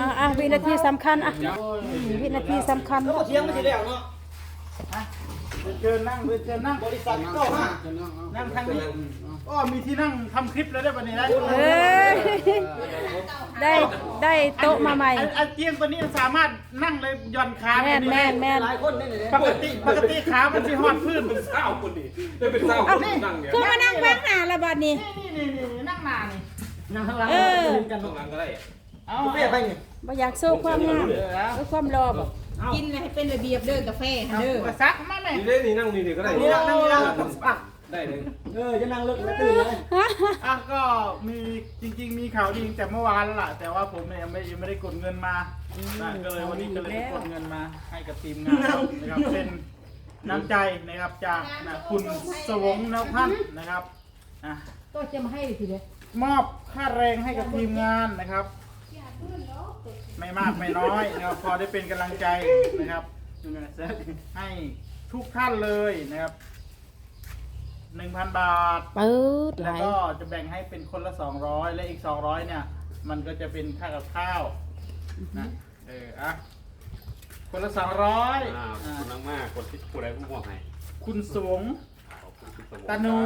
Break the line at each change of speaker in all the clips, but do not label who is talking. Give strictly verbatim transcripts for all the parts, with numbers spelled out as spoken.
อ่าอ่าวินาทีสำคัญอ่ะวินาทีสำคัญ
แล้วก็เที่ยงไม่ใช่แล้วเนาะเชิญนั่งเชิญนั่งบริษัทก็มานั่งทางนี้ก็มีที่นั่งทำคลิปแล้วได้วันนี้นะ
เอ้ยได้ได้โต๊ะมาใหม่
ไอ้เตียงตัวนี้สามารถนั่งเลยย่อนขา
แม่นแม่นแม่น
ปกติปกติขามันจะหอดพื้น
เป็นเศร้าคนนี้ได้เป็นเศร้าคนนั่งเนี่ย
คือมานั่งแบงหน้าละบัดนี้
นี่นี่นี่นั่งหน้านี่นั่งข้างหลัง
กันข้างหลังก็ได้
เอาเปี้ยไปนี่
บ่อยากโซ่ความงามหรือความรอบ่
กินให้เป็นระเบียบเด้อกาแฟเด้อ
ซักมาแม่
นี่ได้นี่นั่งนี่นี่ก็ได้
นี่นั่งนี่นั่ง
ได้เลย
เออจะนั่งเลิกไม่ตื่นเลยอ่ะก็มีจริงๆมีข่าวดีแต่เมื่อวานแล้วล่ะแต่ว่าผมเนี่ยยังไม่ยังไม่ได้กดเงินมาก็เลยวันนี้ก็เลยกดเงินมาให้กับทีมงานนะครับเป็นน้ำใจนะครับจากคุณสวงนพันธ์นะครับ
ก็จะมาให้ทีเดียว
มอบค่าแรงให้กับทีมงานนะครับไม่มากไม่น้อยนะครับพอได้เป็นกำลังใจนะครับให้ทุกท่านเลยนะครับหนึ่งพันบาท
ปื๊ด
แล้วก็จะแบ่งให้เป็นคนละสองร้อยและอีกสองร้อยเนี่ยมันก็จะเป็นค่ากับข้าวนะเอออ่ะคนละสองร้อย
คุณนั่งมากคนที่ผู้ใดผู้มอบให้
คุณสวงตาหนู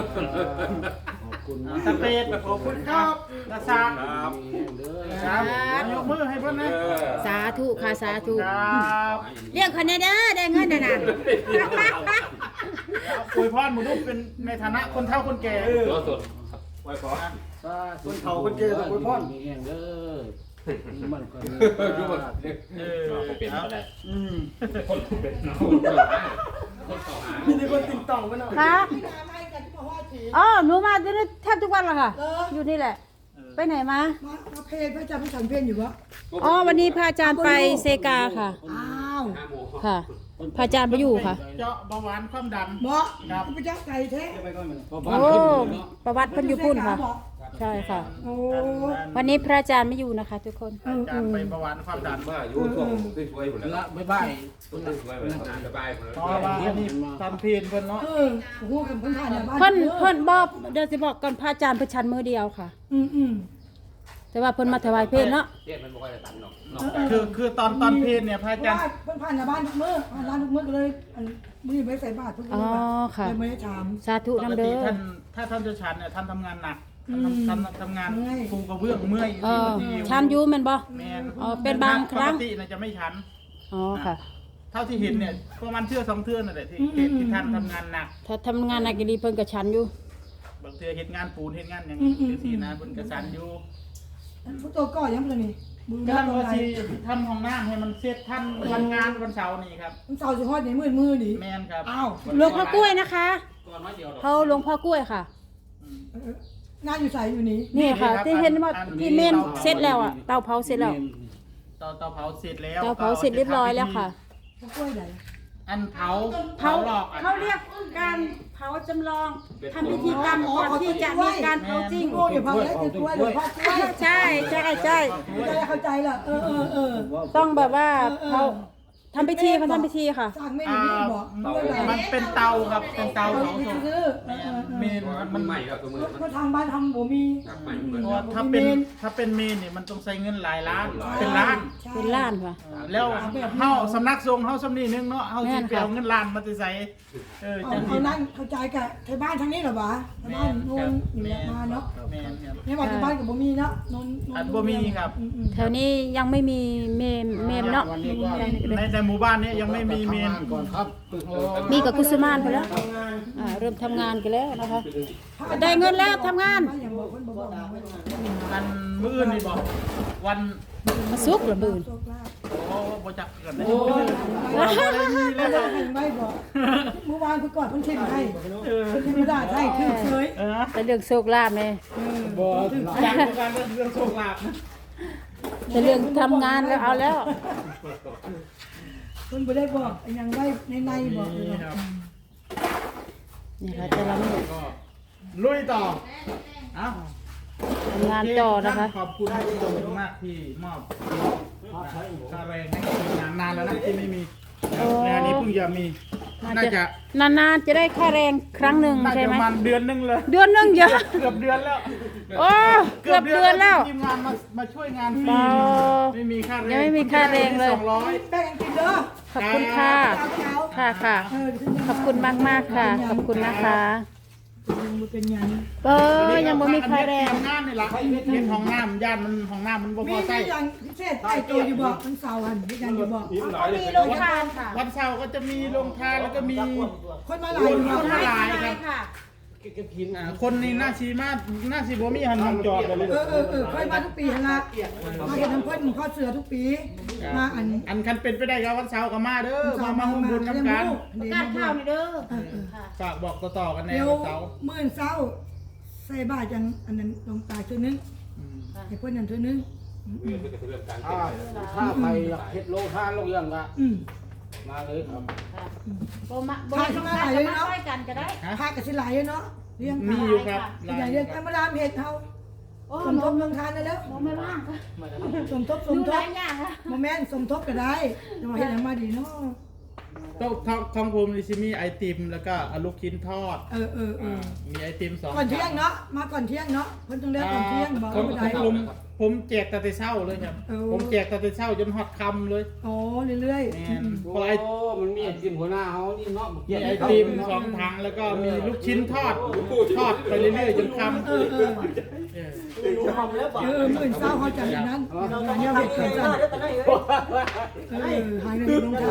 ตาเป็ดขอบคุณครับตาซาครับยกมือให้เพื่อนนะ
สาธุค่ะสาธุ
ครับ
เรียกคนนี้เด้อได้เงินนะนะ
อวยพรหมูลูกเป็นในฐานะคนเฒ่าคนแก่
รอสดไว้พอ
คนเฒ่าคนแก่อวยพร
มีเองเด้อมันก็
ดูว่าเออเขาเป็นอะไร
อืม
คนเป็นเนาะ
มีคนติดต่อมาเนาะ
ค่ะอ๋อหนูมาที่นี่แทบทุกวันเลยค่ะอยู่นี่แหละไปไหนมา
มาเพลพระอาจารย์พระฉันเพลอยู่วะ
อ๋อวันนี้พระอาจารย์ไปเซกาค่ะ
อ้าว
ค่ะพระอาจารย์ไปอยู่ค่ะ
เจาะเบาหวานความดัน
เหมาะครับพระเจ้าไก่แท้
โอ้ประวัติเพิ่นอยู่พุ่นค่ะใช่ค่ะวันนี้พระอาจารย์ไม่อยู่นะคะทุกคน
อาจารย์ไปเบาหวานความดัน
มาอยู่ช่วงสวยๆหมดแล้ว
บ๊ายบาย
สวยๆหมดแล้วสบายหมดแล้ว
เพราะว่าอันนี้ทำเพลนเพิ่นเนาะ
เออโอ้โหกับเพิ่นผ่านบ้าน
เพิ่นเพิ่นบอกเดี๋ยวสิบอกก่อนพระอาจารย์เพิ่นชันมือเดียวค่ะ
อืมอืม
แต่ว่าเพิ่นมาถวายเพลเนาะ
เรียกมันบ่ค่อยได้ตันหรอก
คือคือตอนตอนเพลนเนี่ยพระอาจารย์
เพิ่นผ่านบ้านทุกมื้อผ่านร้านทุกมื้อเลยมื้อไม่ใส่บาตรทุกมื้อเลยไม่ได้ถาม
สาธุนำเด้อ
ท่านถ้าท่านจะฉันเนี่ยท่านทำงานหนักทำทำงานปูกระเบื้องเมื่อย
ชันอยู่แม่นบ่
แม่น
อ๋อเป็นบางครั้ง
ปกติน่ะจะไม่ฉัน
อ๋อค่ะ
เท่าที่เห็นเนี่ยประมาณเทื่อสองเทื่อนั่นแหละที่ที่ท่านทำงานหนัก
ถ้าทำงานหนักดีเพิ่นก็ชันอยู่
บางเทื่อเฮ็ดงานปูนเฮ็ดงานอย่างสีนะเพิ่นก็ชันอยู่
ผู้โตก็ยังบ่นี่
กำลังว่าสิทำห้องน้ำให้มันเสร็จท่านวันงานวันเสาร์นี่ครับ
วันเสาร์สิฮอดนี่มื้อมื้อนี่
แม่นครับ
อ้าว
หลวงพ่อกล้วยนะคะเขาหลวงพ่อกล้วยค่ะ
งานอยู่ใส่อยู่นี่
นี่ค่ะที่เห็นว่าที่เมนเสร็จแล้วอ่ะเตาเผาเสร็จแล้ว
เตาเตาเผาเสร็จแล้ว
เตาเผาเสร็จเรียบร้อยแล้วค่ะ
กล้วยไหน
อันเผา
เผาหลอกเขาเรียกการเผาจำลองทำพิธีกรรมก่อนที่จะมีการเผาจริง
โอ้ยเผาแล้วคือกล้วยหรือเผากล้วย
ใช่ใช่ใช่
เข้าใจละเออเออเออ
ต้องแบบว่าเผาทำพิธีเขาทำพิธีค่ะ
สั่งไม่ได้บอก
มันเป็นเตาครับเป็นเตาเผาศพเมน
มันใหม่ครับตัวมือ
ก็ทางบ้านทำบ่มี
ถ้าเป็นถ้าเป็นเมนนี่มันต้องใช้เงินหลายล้านเป็นล้าน
เป็นล้านค่ะ
แล้วเฮาสำนักทรงเฮาสำนีนึงเนาะเฮาสิไปเอาเงินล้านมาใส่เออจัง
เขานั่นเข้าใจกับไทยบ้านทางนี้เหรอวะไทยบ้านโน่นอยู่มาเนาะ
แม่นครับ
ในบ้านบ้านกับบ่มีเนาะนน
นบ่มีครับ
แถวนี้ยังไม่มีเมมเมมเนาะ
ในในหมู่บ้านนี้ยังไม่มีเมน
ก่อนครับ
มีกับกุศมานไปแล้วเริ่มทำงานกันแล้วนะคะได้เงินแล้วทำงาน
วันมื้อนี่บอกวัน
มาซุกหรือมื้อ
โอ้บ่จักกันได้
โอ้ยไม่บอกเมื่อวานเพิ่นก่อนเพิ่นเช็คให้เออเพิ่นไม่ได้ให้คือเฉย
แต่เรื่องโชคลาภแม่
บ่จักกันเรื่องโชคลาภนะ
แต่เรื่องทำงานแล้วเอาแล้ว
คุณบ่ได้บอกยังไว้ในในบอกเลย
นี่ค่ะแต่ละมื้อ
ก็ลุยต่อเอ้า
ทำงานต่อนะคะ
ขอบคุณทุกคนมากที่มอบค่าแรงให้ทีมงานนานแล้วนะที่ไม่มีงานนี้เพิ่งจะมีน่าจะ
นานๆจะได้ค่าแรงครั้งหนึ่งใช่ไหม
ประมาณเดือนนึงเลย
เดือนนึงเยอะ
เกือบเดือนแล้ว
โอ้เกือบเดือนแล้ว
ทีมงานมามาช่วยงานฟรีไม่มีค่าแรง
ยังไม่มีค่าแรงเลย
สองร้อย
แป้งกินเด้อ
ขอบคุณค่ะ
เช้า
ค่ะค่ะ
เออขึ้น
ขอบคุณมากมากๆค่ะ ขอบคุณนะคะ
มันเป็นยัง
เออยังบ่มีค่าแรง
ห้องน้ำนี่ละเห็นห้องน้ำย่านมันห้องน้ำมันบ่พ
มี
อใส่
อย่างพิเศษใต้ตัวอยู่บอกมันเสาร์หันมีอย่างอยู่บอก
มีโรงทานค่ะ
วันเสาร์ก็จะมีโรงทานแล้วก็มี
คนมาหลายอยู่
ค
บอก
นมาหลายครับ
ค่ะ
อ่าคนนี่หน้าชีมากหน้าชีบ่มีหันมองจอดเลย
เออเออเออค่อยมาทุกปีหั่นละมาเห็นน้ำพ่นข้อเสือทุกปีมาอัน
อันคันเป็นไปได้ครับวันเสาร์ก็มาเด้อมามาหุ้มบุญน้ำกัน
การข้าวนี่เด้อ
ฝากบอกต่อๆกันแน่
เดี๋ยว
วันเสาร์
มื่นเศร้าใส่บาทจังอันนั้นลงตาช่วยนึงให้เพื่อนนั่นช่วยนึง
เรื่องเรื่องการ
ถ้าถ้าไปอยากเฮ็ดโลทานโลกยังละ
อืม
มาเลยครับ
โบมาโบมาต้องการมาช่วยกันก็ได้
พากับสิหลายเนาะเลี้ยง
มีอยู่ครับ
ใหญ่เลี้ยงไปมาดามเห็ดเฮา
โอ้
สมทบลงทานได้แล้ว
โบไม่ว่างค่ะ
สมทบส
ดู
มท
หลา
บ
ยอย่างค่ะ
โมแม่นสมทบก็ได้จะมาเห็ดอย่างมาดีเนาะ
ต้องท้องท้องผมนี่สิมีไอติมแล้วก็ลูกชิ้นทอด
เออเออเออ
มีไอติมสอง
ก่อนเที่ยงเนาะมาก่อนเที่ยงเนาะเพิ่นต้องเลิกก่อนเที่ยงบอก
ผม
ไม่ได้
ผมผมแจกแต่เช้าเลยครับ
เออ
ผมแจกแต่เช้าจนฮอดค่ำเลย
อ๋อเรื่อย
แม่น
โอ้มันมีไอติมหัวหน้าเฮานี่เนาะ
มีไอติมสองถังแล้วก็มีลูกชิ้นทอดทอดไปเรื่อยๆจนค่ำ
ๆเออเออ
เออ
เออมื่นเศร้าเขาจัดอย่างนั้นเนี่ยเห็ดกันจันเออหายเงินลงทาน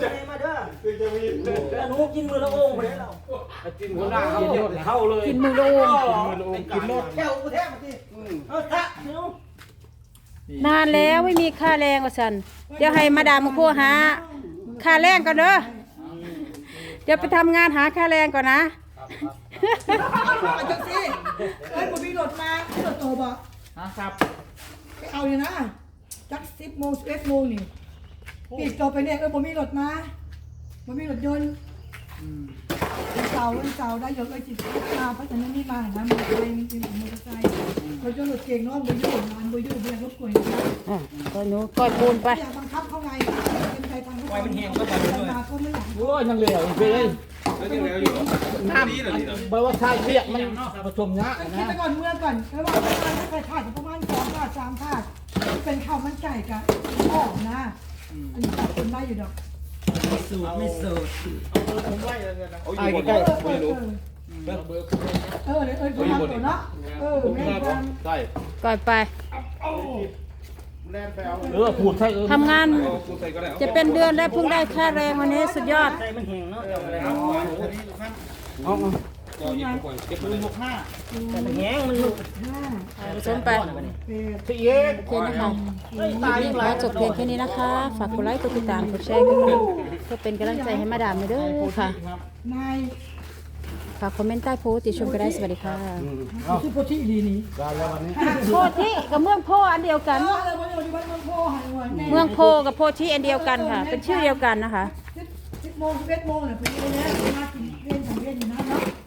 หนูกินมือละโอ่งไปแล้วไอติมหัวหน้าเฮาหมดเข้าเลย
กินมือโลง
มือละองกินโลด
แก้วกูแท้มาสิเออถ้าหนู
นานแล้วไม่มีค่าแรงว่าสันเดี๋ยวให้มาดามมาพูหาค่าแรงก่อนเด้อเดี๋ยวไปทำงานหาค่าแรงก่อนนะ
อาจังสิเอ้ยผมมีรถมามีรถโตบ่
นะครับ
ไปเอาเลยนะจักสิบโมงสิบเอ็ดโมงนี่ปีกโตไปเนี่ยเออผมมีรถมาผมมีรถยนต์
อืม
วันเสาร์วันเสาร์ได้เยอะเลยจิตมาเพราะฉะนั้นนี่มานะมอเตอร์ไซค์มีเป็นมอเตอร์ไซค์รถยนต์รถเก่งเนาะบอยู่งานบอยู่เบียร์รถกวยนะ
อ่ะก็หนูก้อยปูนไป
อยากบังคับเขาไงเป็นใจทางเขามันแหงก็ไปด้วยมาก็ไม่อยาก
โอ้ยยังเหลวไปเลย
แล้วยังแล้วอยู่น้ำนี้เหรอนี่เหรอ
บอกว่าชายเปียกมันผสมยะ
คิด
นะ
ไปก่อนเมื่อก่อนแล้วว่าประมาณถ้าใครขาดประมาณสองขาดสามขาดเป็นข้าวมันไก่กับอ่อมนะอันนี้ตัดคนได้อยู่ดอก
สูตรไม่สูตร
เอาเบอร์ผมไว้เลยนะ
เอาอยู่บนนี้ไม่รู้
เบอร์เบอร์
เออเลยเออคนทำตัวเนาะเออแม่ทำ
ใช่
ก้อยไป
แล่นไปเอา
เออพูดใช่เออ
ทำงาน
เอากูใส่ก็ได้
จะเป็นเดือนแล้วเพิ่งได้ค่าแรงวันนี้สุดยอด
มันแห้งเนาะ
เอาไปเอาไปอันนี้ครับ
เอา
ก็ยิงทุกคนเก็บ
ปื
เล
น
ย
หกห้า
แต่มันแห้งมันลุก
ห้า
ผสมไป
เป็ด
ที่เย็น
โอเคนะคะขอจบเพียงแค่นี้นะคะ ฝากกดไลค์ กดติดตาม กดแชร์กันด้วยเพื่อเป็นกำลังใจให้มาดามหน่อยเด้อค่ะ
นาย
ฝากคอมเมนต์ใต้โพสต์ติชมก็ได้สวัสดีค่ะ
ชื่อโพธิดีนี่
ได้แล้ววันนี้
โพธิกับเมืองโพอันเดียวกัน
เอออะไรวะอยู่บ้านเมืองโพหายวัน
เมืองโพกับโพธิอันเดียวกันค่ะ เป็นชื่อเดียวกันนะคะ
สิบโมงสิบเอ็ดโมงเนี่ยพอดีเลยนะมากินเรียนสังเวียนอยู่นะเนาะ